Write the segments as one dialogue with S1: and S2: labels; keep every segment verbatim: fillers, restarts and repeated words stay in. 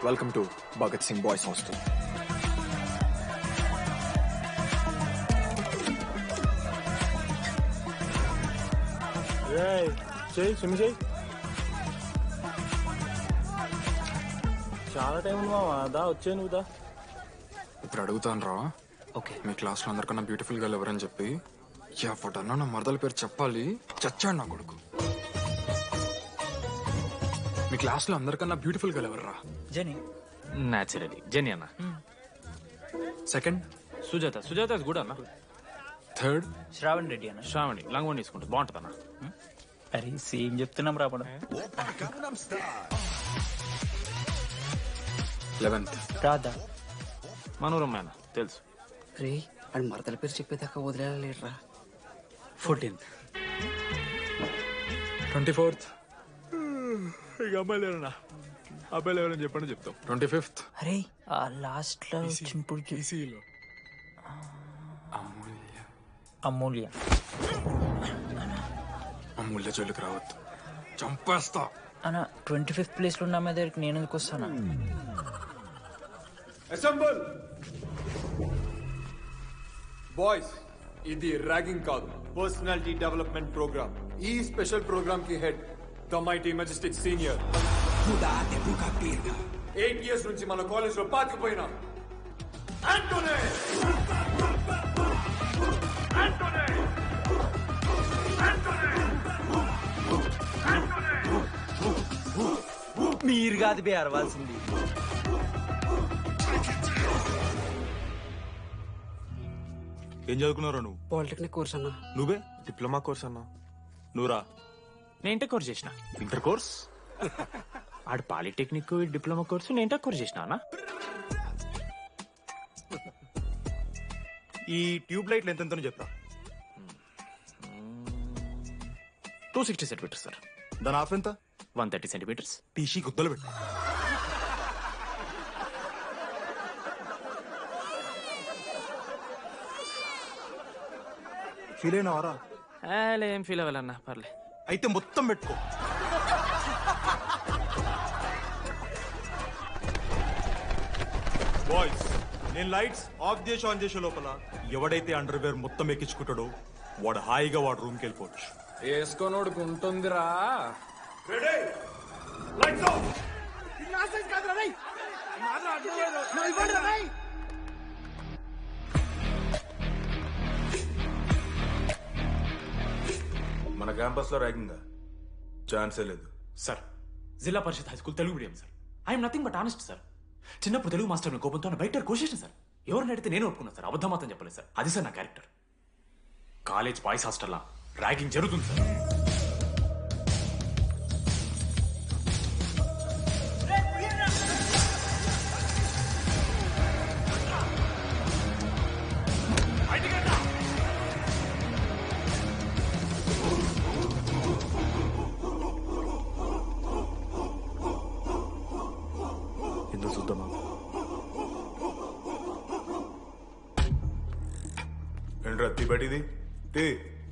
S1: Welcome to Bhagat Singh boys hostel.
S2: చెయ్యి swim చెయ్యి. చాలా టైం ఉంది మామ, దా వచ్చే నువ్వు దా.
S1: ఇప్పుడు అడుగుతాను రా.
S3: ఓకే.
S1: మీ క్లాస్ లో అందరికన్నా బ్యూటిఫుల్ గర్ల్ ఎవరని చెప్పి ఎవడన్నా నా మరదల పేరు చెప్పాలి. చచ్చాడు నా కొడుకు. మీ క్లాస్ లో అందరికన్నా బ్యూటిఫుల్ గర్ల్ ఎవర్రా?
S3: జెనీ.
S4: న్యాచురలీ జెనీ అన్న.
S1: Second
S4: Sujatha. Sujatha is good అన్న.
S1: థర్డ్
S3: శ్రావణ్ రెడ్డి అన్న.
S4: శ్రావణి లంగ్ వన్ తీసుకుంటుంది, బాగుంటుంది అన్న.
S3: అరే సేమ్ చెప్తున్నాం రాపడం.
S1: లెవెన్త్
S3: రాధా.
S4: మనోరమ్మ అన్న తెలుసు.
S5: రే అని మరదల పేరు చెప్పేదాకా వదిలేరా.
S3: ఫోర్టీన్త్.
S1: ట్వంటీ ఫోర్త్
S4: ఇక అమ్మాయిలు ఎవరన్నా అబ్బాయిలు ఎవరని చెప్పండి చెప్తాం.
S1: ట్వంటీ ఫిఫ్త్
S3: అరే ఆ లాస్ట్ లో చింపుడు
S4: ఈసీలో
S1: అమూల్య.
S3: అమూల్య.
S1: అమూల్య జోలికి రావద్దు, చంపేస్తా.
S3: అన్న ట్వంటీ ఫిఫ్త్ ప్లేస్ లో ఉన్న అమ్మాయి దగ్గరికి నేను ఎందుకు వస్తానా?
S6: అసెంబుల్ బాయ్స్, ఇది ర్యాగింగ్ కాదు, పర్సనాలిటీ డెవలప్మెంట్ ప్రోగ్రామ్. ఈ స్పెషల్ ప్రోగ్రామ్ కి head the mighty majestic senior. Eight years నుంచి మన కాలేజ్ లో పాతిపోయినా ఆంటోనీ. ఆంటోనీ
S3: మీరు కాదు బే అరవాల్సింది.
S2: ఏం చదువుకున్నారా నువ్వు?
S5: పాలిటెక్నిక్ కోర్స్ అన్నా.
S2: నువ్వే? డిప్లొమా కోర్స్ అన్నా. నువ్వురా?
S4: నేను ఇంటర్ కోర్స్ చేసిన.
S2: Inter course?
S4: ఆడు పాలిటెక్నిక్ డిప్లొమా కోర్సు, నేను ఇంటర్ కోర్స్ చేసిన అన్న.
S2: ఈ ట్యూబ్ లైట్లు ఎంతెంతనో చెప్పరా.
S4: Two sixty centimetres sir.
S2: దాని ఆఫ్ ఎంత?
S4: One thirty centimetres.
S2: టీసీ గుద్దలు పెట్టు. ఫీల్ అయినావారా?
S4: ఏం ఫీల్ అవ్వాలన్నా, పర్లే.
S2: అయితే మొత్తం పెట్టుకో. బాయ్స్, నేను లైట్స్ ఆఫ్ చేసి ఆన్ చేసే లోపల ఎవడైతే అండర్ వేర్ మొత్తం ఎక్కించుకుంటాడో వాడు హాయిగా వాడు రూమ్కి వెళ్ళిపోవచ్చు.
S1: వేసుకోనోడుకు ఉంటుందిరా.
S7: మన క్యాంపస్ లో ర్యాగింగ్ ఛాన్సే లేదు
S4: sir, Zilla Parishad high school Telugu medium sir. I'm nothing but honest sir. చిన్నప్పుడు తెలుగు మాస్టర్ కోపంతో బయట కోసేసిన సార్. ఎవరిని అడిగితే నేను ఒప్పుకున్నాను సార్, అబద్ధం మాత్రం చెప్పలేదు సార్. అది సార్ నా క్యారెక్టర్. కాలేజ్ బాయ్స్ హాస్టల్లా ర్యాగింగ్ జరుగుతుంది సార్.
S2: ఎందుకు చూద్దామా?
S7: ఏంట్రా తీ బయటిది తీ.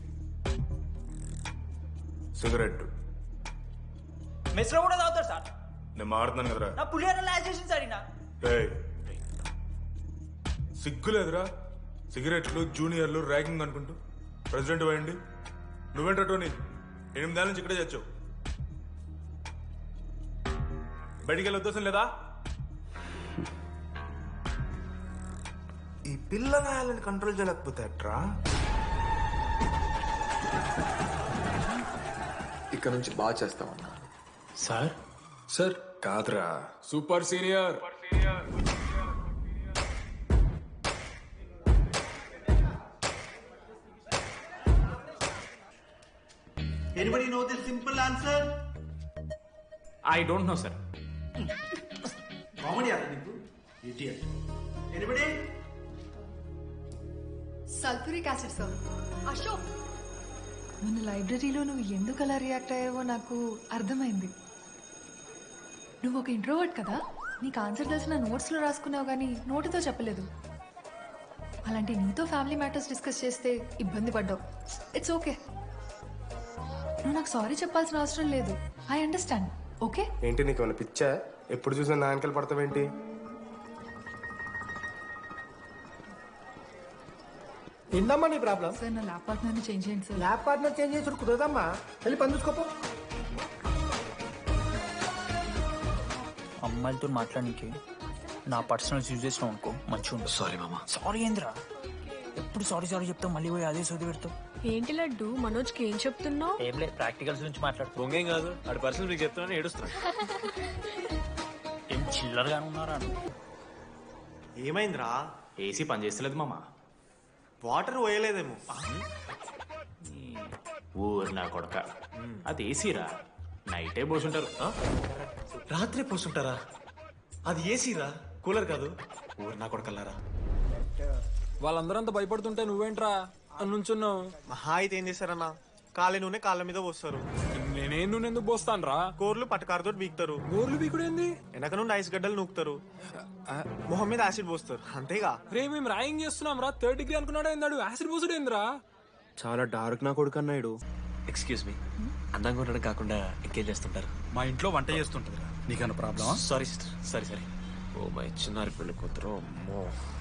S7: సిగరెట్
S3: మెస్ లో కూడా తాగుతారు సార్.
S7: నేను మాడుతున్నాను కదరా.
S3: నా పులిహోర లాస్ట్ చేసింది సార్ ఈయన.
S7: ఏయ్, సిగ్గులేదురా? సిగరెట్లు జూనియర్లు ర్యాగింగ్ అనుకుంటూ ప్రెసిడెంట్ పోయండి. నువ్వేంట్రా టోనీ, ఎనిమిదేళ్ళ నుంచి ఇక్కడే చచ్చావు. బయటికి వెళ్ళే ఉద్దేశం లేదా? ఈ పిల్లగాయలని కంట్రోల్ చేయలేకపోతే అట్రా.
S1: ఇక్కడ నుంచి బాగా చేస్తామన్నా.
S4: సార్
S1: సార్ కాదురా, super senior.
S8: Anybody know the simple answer?
S4: I don't know sir.
S8: Comedy aata niku? Idiot. Anybody?
S9: Sulphuric acid sir. Ashok, మన లైబ్రరీలో నువ్వు ఎందుకు అలా రియాక్ట్ అయ్యావో నాకు అర్థమైంది. నువ్వు ఒక ఇంట్రోవర్ట్ కదా, నీకు ఆన్సర్ తెలిసిన నోట్స్లో రాసుకున్నావు కానీ నోటితో చెప్పలేదు. అలాంటి నీతో ఫ్యామిలీ మ్యాటర్స్ డిస్కస్ చేస్తే ఇబ్బంది పడ్డావు. ఇట్స్ ఓకే, నువ్వు నాకు సారీ చెప్పాల్సిన అవసరం లేదు. I understand. ఓకే
S10: ఏంటి నీకు ఏమైనా పిచ్చా? ఎప్పుడు చూసినా నా వెనకాల పడతావేంటి?
S11: ఏందమ్మా నీ ప్రాబ్లం?
S9: సార్ నా ల్యాప్ పార్ట్నర్ని చేంజ్ చేయండి సార్.
S11: ల్యాబ్ పార్ట్నర్ చేంజ్ చేసుడు కుదరదమ్మా. వెళ్ళి పని చూసుకోపో.
S3: అమ్మాయిలతో మాట్లాడడానికి నా పర్సనల్స్ యూజ్ చేసినావు అనుకో మంచిగా ఉంటుంది.
S4: సారీ మామా.
S3: సారీ ఏంద్రా, ఎప్పుడు సారీ సారీ చెప్తావు, మళ్ళీ పోయి అదే సోది పెడతావు.
S12: ఏంటి లడ్డు మనోజ్కి ఏం చెప్తున్నావు?
S3: ఏం లేదు, ప్రాక్టికల్స్ గురించి మాట్లాడుతూ.
S4: బొంగేం కాదు, ఆడు పర్సనల్ మీకు చెప్తున్నాను ఏడుస్తున్నాను.
S3: ఏం చిల్లరగానే ఉన్నారా?
S2: ఏమైందిరా?
S4: ఏసీ పని చేస్తలేదు మామా.
S2: వాటర్ పోయలేదేమో.
S4: ఊరు నా కొడక, అది ఏసీరా, నైటే పోసుంటారు.
S2: రాత్రి పోసుంటారా? అది ఏసీరా, కూలర్ కాదు. ఊరు నా కొడకల్లారా.
S1: వాళ్ళందరంతా భయపడుతుంటే నువ్వేంట్రా నుంచున్నావు?
S2: మహా అయితే ఏం చేస్తారన్నా, కాళ్ళ నూనె కాళ్ళ మీద పోస్తారు.
S1: నేనేం నువ్వు ఎందుకు పోస్తాను రా?
S2: కోర్లు పట్టకారుతో బీకుతారు.
S1: గోర్లు బీకుడేంది?
S2: వెనక నుండి ఐస్ గడ్డలు నూకుతారు. మొహం మీద యాసిడ్ పోస్తారు, అంతేగా.
S1: రే మేము ర్యాగింగ్ చేస్తున్నాం రా, థర్డ్ డిగ్రీ అనుకున్నాడు ఏందాడు, యాసిడ్ పోసుడు ఏందిరా?
S10: చాలా డార్క్ నా కొడుకు అన్నాడు.
S4: ఎక్స్క్యూజ్ మీ, అందంగా ఉండడం కాకుండా ఎంకేజ్ చేస్తుంటారు.
S8: మా ఇంట్లో వంట చేస్తుంటుంది. నీకన్నా ప్రాబ్లమా?
S4: Sorry sister, sorry sorry.
S10: Oh my చిన్నారి పెళ్లి కూతురు, అమ్మో.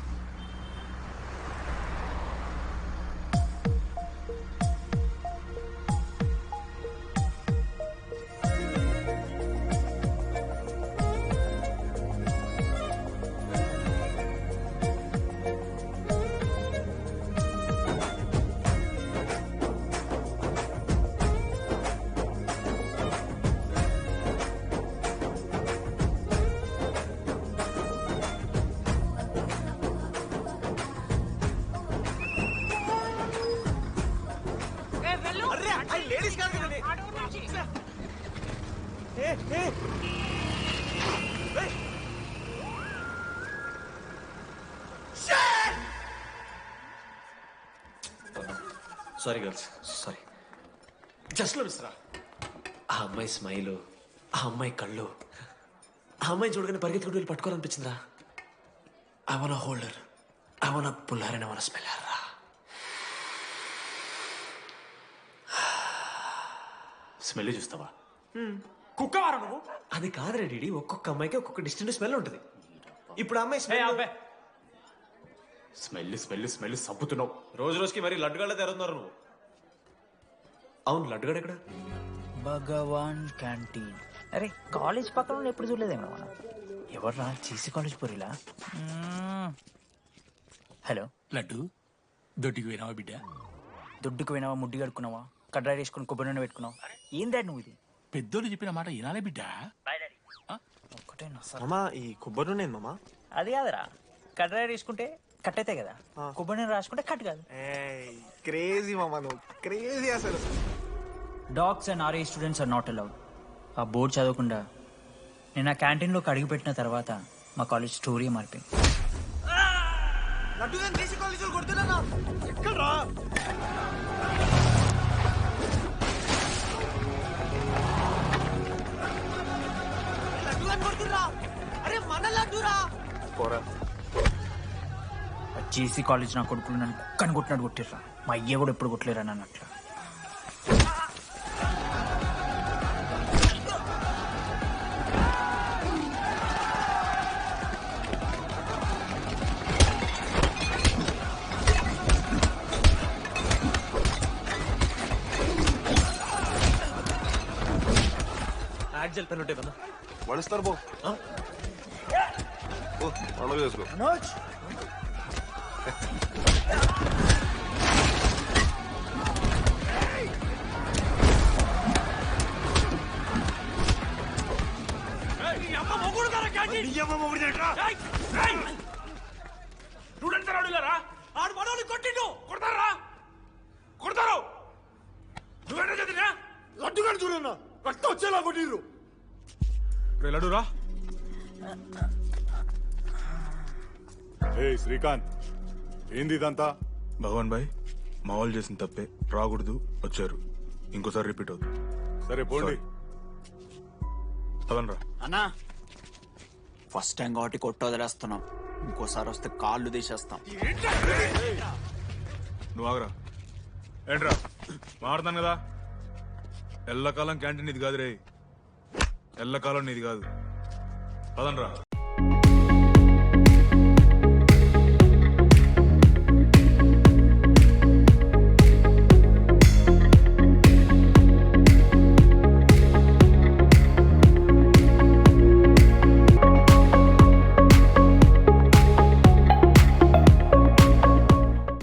S4: Sorry girls, sorry. జస్ట్ లో మిస్రా, ఆ అమ్మాయి స్మైలు, ఆ అమ్మాయి కళ్ళు, ఆ అమ్మాయి చూడగానే పరిగెత్తుకుంటూ వెళ్ళి పట్టుకోవాలనిపించిందిరా. I want hold her, I want pull her and I want smell రా. స్మెల్ చూస్తావా? కుక్క వారా నువ్వు? అది కాదు రెడీ, ఒక్కొక్క అమ్మాయికి ఒక్కొక్క డిస్టెంట్ స్మెల్ ఉంటుంది. ఇప్పుడు అమ్మాయి స్మెల్ స్మెల్ స్మెల్ స్మెల్ సబ్బుతున్నావు. రోజు రోజుకి మరి లడ్డుగాళ్ళ తెరుతున్నారు నువ్వు. అవును, లడ్డుగాడు ఎక్కడ?
S3: భగవాన్ క్యాంటీన్. అరే కాలేజ్ పక్కన ఎప్పుడు చూడలేదేమో మనం. ఎవర్రా చీసీ కాలేజ్ పోరిలా? హలో
S8: లడ్డు, దొడ్డికి పోయినావా బిడ్డ?
S3: దుడ్డుకు పోయినావా, ముడ్డి కడుక్కున్నావా, కడ్రాయి వేసుకుని కొబ్బరి నూనె పెట్టుకున్నావు? ఏం డాడ్ నువ్వు ఇది?
S8: పెద్దోళ్ళు చెప్పిన మాట వినాలే బిడ్డ.
S3: ఒక్కటేనా సార్?
S2: మామా, ఈ కొబ్బరి నూనె మామా?
S3: అది కాదురా, కడ్రాయి వేసుకుంటే కట్ అవుతాయి కదా, కొబ్బరి నూనె రాసుకుంటే కట్ కాదు.
S2: క్రేజీ మామా, నువ్వు క్రేజీ అసలు.
S3: డాగ్స్ అండ్ ఆర్ఏ స్టూడెంట్స్ ఆర్ నాట్ అలౌడ్. ఆ బోర్డు చదవకుండా నేను ఆ క్యాంటీన్లోకి అడుగుపెట్టిన తర్వాత మా కాలేజ్ స్టోరీ మారిపోయింది. జేసీ కాలేజ్ నా కొడుకులు నన్ను కుక్కని కొట్టినట్టు కొట్టిర్రా. మా అయ్య కూడా ఎప్పుడు కొట్టలేరా నన్ను అట్లా.
S4: యాక్జల్ పెన్ ఉంటాయి కదా,
S10: వడుస్తారు బో. పండుగ చేసుకో.
S4: ఆడు మనోళ్ళు కొట్టిండు, కొడతారా కొడతారు. నువ్వేనా చదివినా?
S6: లడ్డుగాడు చూడన్నా, రక్తం వచ్చేలా కొట్టిర్రు.
S7: లడ్డురా.
S13: ఏ శ్రీకాంత్, ఏంది ఇదంతా?
S7: భగవాన్ భాయ్, మా వాళ్ళు చేసిన తప్పే, రాకూడదు, వచ్చారు, ఇంకోసారి రిపీట్ అవుతుంది.
S13: సరే పోండి.
S7: పదనరా.
S5: అన్నా, ఫస్ట్ టైం కాబట్టి కొట్టు వదిలేస్తున్నాం, ఇంకోసారి వస్తే కాళ్ళు తీసేస్తాం.
S7: నువ్వు ఆగరా. ఏంట్రా మారుతాను కదా, ఎల్లకాలం క్యాంటీన్ ఇది కాదు రే, ఎల్లకాలం నీది కాదు. పదండ్రా